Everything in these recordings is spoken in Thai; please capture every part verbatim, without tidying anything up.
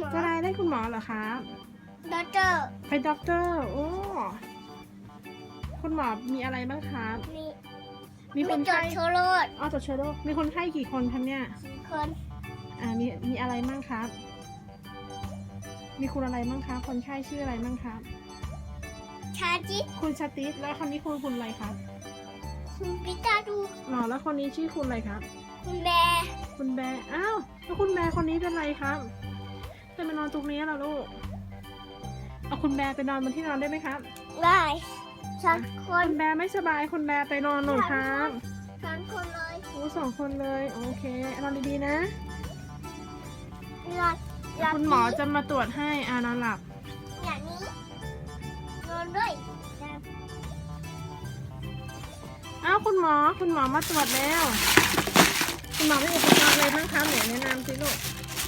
หมอจะได้ได้คุณหมอเหรอครับด็อกเตอร์ไปด็อกเตอร์โอ้คุณหมอมีอะไรบ้างครับมีมีคนจดไข้โชว์โรดอ๋อตรวจเชื้อโรคมีคนไข้กี่คนครับเนี่ยสี่คนอ่ามีมีอะไรบ้างครับ มีคุณอะไรบ้างครับคนไข้ชื่ออะไรบ้างครับชาจิคุณชาติสแล้วคนนี้คุณคุณอะไรครับคุณปิกาดูอ๋อแล้วคนนี้ชื่อคุณอะไรครับคุณแบร์คุณแบร์อ้าวแล้วคุณแบร์คนนี้เป็นไรครับจะมานอนตรงนี้เหรอลูกเอาคุณแบร์ไปนอนบนที่นอนได้ไหมครับได้ฉันคคุนณแบร์ไม่สบายคุณแบร์ไปนอนหน่อยครับฉันคนเลยโอ้สองคนเลยโอเคนอนดีๆนะหลับหลับคุณหมอจะมาตรวจให้อานอนหลับอย่างนี้นอนด้วยอ้าวคุณหมอคุณหมอมาตรวจแล้วคุณหมอมีอุปกรณ์อะไรบ้างคะไหนแนะนำสิลูก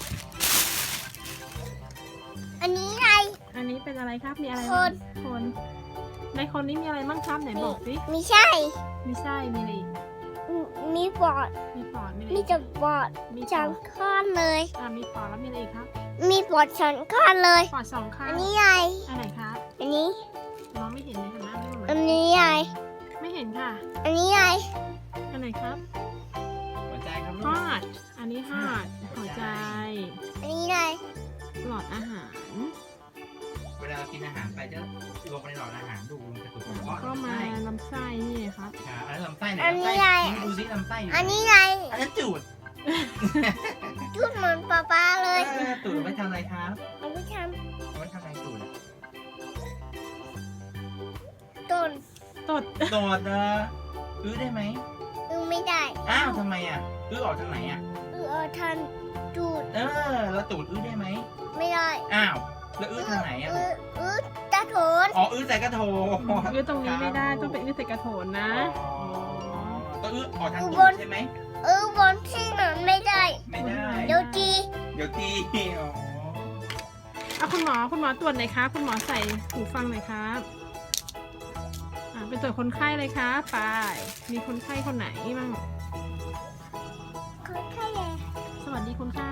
อันนี้ไงอันนี้เป็นอะไรครับมีอะไรคบ้างนคนในคนนี้มีอะไรบ้างครับไหนบอกสิไม่ใช่มีไส้มีอะไรอีกมีปอดมีปอดมีอะไรมีอีกจะปอดมีปสอองดข้อนเลยอ่ามีปอดแล้วมีอะไรอีกครับมีปอดสองข้อนเลยปอดสองข้างอันนี้ไงอันไหนครับอันนี้มองไม่เห็นเลยค่ะหน้าไม่อันเหมือนนี้ไงไม่เห็นค่ะอันนี้ไงอันไหนครับหัวใจครับลูฮกอดอันนี้ฮอดหัวใจอันนี้ไงหลอดอาหารเวลาเรากินอาหารไปจะลงไปในหลอดอาหารดูลงไปสู่กระเพาะก็มาลำไส้ลำไส้นี่ครับค่ะอันนั้นลำไส้ไหนอันลำนี้ไส้ไงนี่ดูซิลำไส้อยู่อันนี้ไงอันนั้นจูดจุดเหมือนป๊าป๊าเลยเออตูดเอาไว้ทำอะไรครับเอาไปทเอาไว้ทำอะไรตูดอะำต้นตดโดดเอออื้อได้ไหมอึไม่ได้อ้าวทำไมอ่ะอื้อออกทางไหนอ่ะอึเอาทันจูดเออแล้วตูดอื้อได้ไหมไม่ได้อ้าวแล้วอื้อทางไหนอ่ะอึอึตาโถนอ๋ออื้อใส่กระโถอื้อตรงนี้ไม่ได้ต้องเป็นอื้อใส่กระโถนนะอ๋อก็อื้อออกทางตูดใช่ไหมอึบนที่นอนไม่ได้ไม่ได้เดี๋ยวจีเดี๋ยวตีอ๋อเอาคุณหมอคุณหมอตรวจหน่อยครับคุณหมอใส่หูฟังหน่อยครับอ่าไปตรวจคนไข้เลยครับไปมีคนไข้คนไหนบ้างคนไข้เลยสวัสดีคนไข้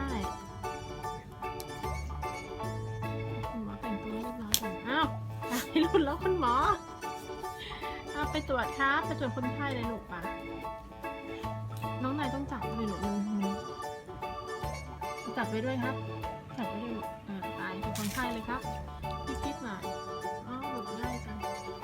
คุณหมอแต่งตัวเรียบร้อยก่อนอ้าวตายรุ่นแล้วคุณหมอเอาไปตรวจครับไปตรวจคนไข้เลยลูกปะน้องนายต้องจับเลยลูกมันมันจับไปด้วยครับจับไปด้วยลูกอ่าตายเป็นคนไข้เลยครับคิดๆหน่อยอ๋อหลุดได้จัง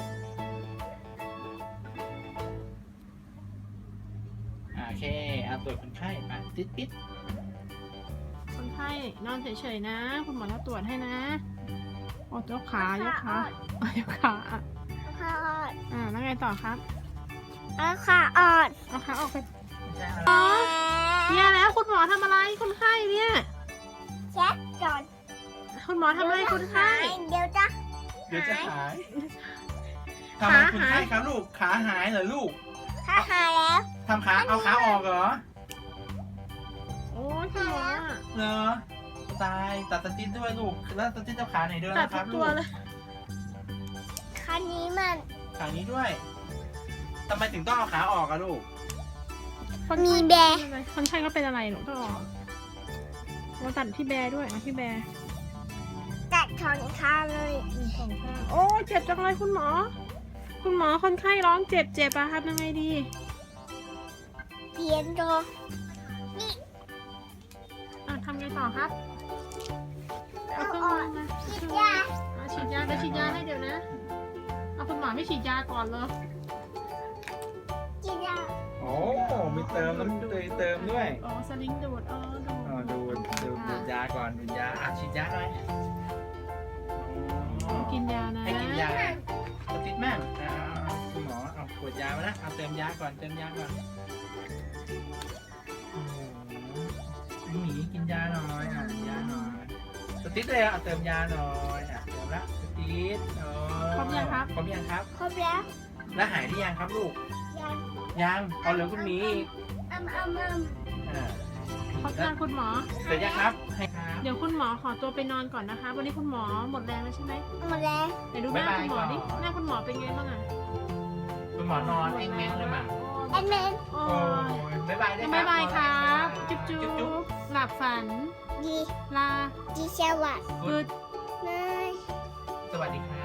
โอเคเอาตรวจคนไข้มาติดปิดคนไข้นอนเฉยๆนะ คุณหมอจะตรวจให้นะโอ้ยกขายกขาอ่ะยกขาอ่ะขาอ่อนอ่าแล้วไงต่อครับเอาขาอ่อนเอาขาออกไปไม่ใช่อะไรอ๋อเนี่ยแล้วคุณหมอทำอะไรคนไข้เนี่ยเช็ดก่อนคุณหมอทำอะไรคนไข้เดี๋ยวจะเดี๋ยวจะหายทำขาไมคนหายไข้ครับลูกขาหายเหรอลูกถ้าหายแล้วทำขาเอาขาออกเหรอโอ้ยคุณหมอเหรอตายตัดสติ๊ดด้วยลูกแล้วสติ๊ดเจ้าขาไหนด้วยตัดนะคทุรักบตัลูวกเลยคันนี้มันขานี้ด้วยทำไมถึงต้องเอาขาออกอะลูกคนมีไข้แบร์เป็นอะไรคนไข้ก็เป็นอะไรหนูต้องออกมาตัดที่แบร์ด้วยนะที่แบร์ตัดถอนขาเลยหนึ่งสองข้างโอ้ยเจ็บจังเลยคุณหมอ คุณหมอคนไข้ร้องเจ็บเจ็บอะครับยังไงดีเพียนโตอ่ะทำไงต่อครับเอาเครื่องมือมาฉีดยาอ่ะฉีดยาไปฉีดยาให้เดี๋ยวนะเอาคุณหมอไม่ฉีดยาก่อนเลยฉีดยาโอ้มีเติมน้ำเตยเติมด้วยอ๋อสลิงดูดอ๋อดูดอ๋อดูดดูดดูดยาก่อนดูดยาอ่ะฉีดยาหน่อยอ๋อกินยานะให้กินยาสติ๊ดแม่งอ่าคุณหมอเอาขวดยามานะเอาเติมยาก่อนเติมยาก่อนโอ้โหหมีกินยาหน่อยอ่ะยาหน่อยสติ๊ดเลยอ่ะเอาเติมยาหน่อยอ่ะเติมละสติ๊ดอ๋อครบยังครับครบยังครับครบแล้วแล้วหายหรือยังครับลูกยังยังเอาเหลือคุณหมีอีกอ้ำอ้ำอ้ำอ่าขอบคุณคุณหมอเสร็จยังครับให้ครับเดี๋ยวคุณหมอขอตัวไปนอนก่อนนะคะ วันนี้คุณหมอหมดแรงแล้วใช่ไหมหมดแล้วไหนดูหน้าคุณหมอดิหน้าคุณหมอเป็นไงบ้างอะคุณหมอนอนเองแม่งเลยมั้งแอนเมนโอ้โอ้ยยบ๊ายบายได้บ๊ายบายครับบจุ๊บจุ๊จุ๊บจุ๊บหลับฝันบดีลาดีสวัสดิ์ good นายสวัสดีครับ